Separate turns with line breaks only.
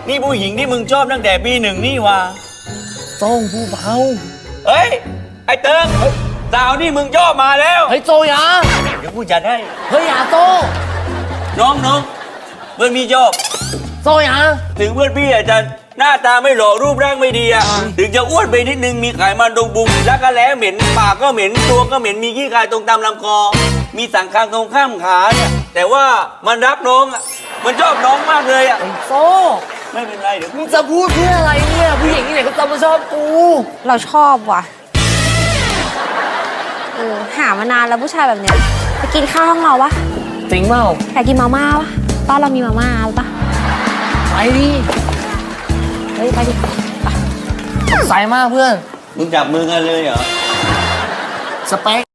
นี่ผู้หญิงที่มึงชอบตั้งแต่ปี 1นี่วะ
โต้งผู้เบา
เฮ้ย ไอ้เติงสาวนี่มึงชอบมาแล้ว
เฮ้ยโจยา
เดี๋ยวกูจัดให้
เฮ้ยอย่าโต
น้องเพื่อนพี่ชอบ
โจยา
ถึงเพื่อนพี่อาจจะหน้าตาไม่หล่อรูปร่างไม่ดีอะถึงจะอ้วนไปนิดนึงมีไขมันตรงบุงแล้วก็แล้เหม็นปากก็เหม็นตัวก็เหม็นมีขี้คายตรงตามลำคอ มีสังขารตรงข้ามขาเนี่ยแต่ว่ามันรักน้องอะมันชอบน้องมากเลยอะ
ไอ้โซ
ไม่เป็นไรเดี๋ยว
มึงจะพูดเพื่ออะไรเนี่ยผู้หญิงที่ไหนก็จะมาชอบกู
เราชอบว่ะหามานานแล้วผู้ชายแบบเนี้ยไปกินข้าวห้องเราปะ
จริงเปล่า
อยากกินมาม่าวะบ้านเรามีมาม่าปะ
ไปดิ
เฮ้ยไปดิไป
ใส่มากเพื่อน
มึงจับมือกันเลยเหรอ
สเปค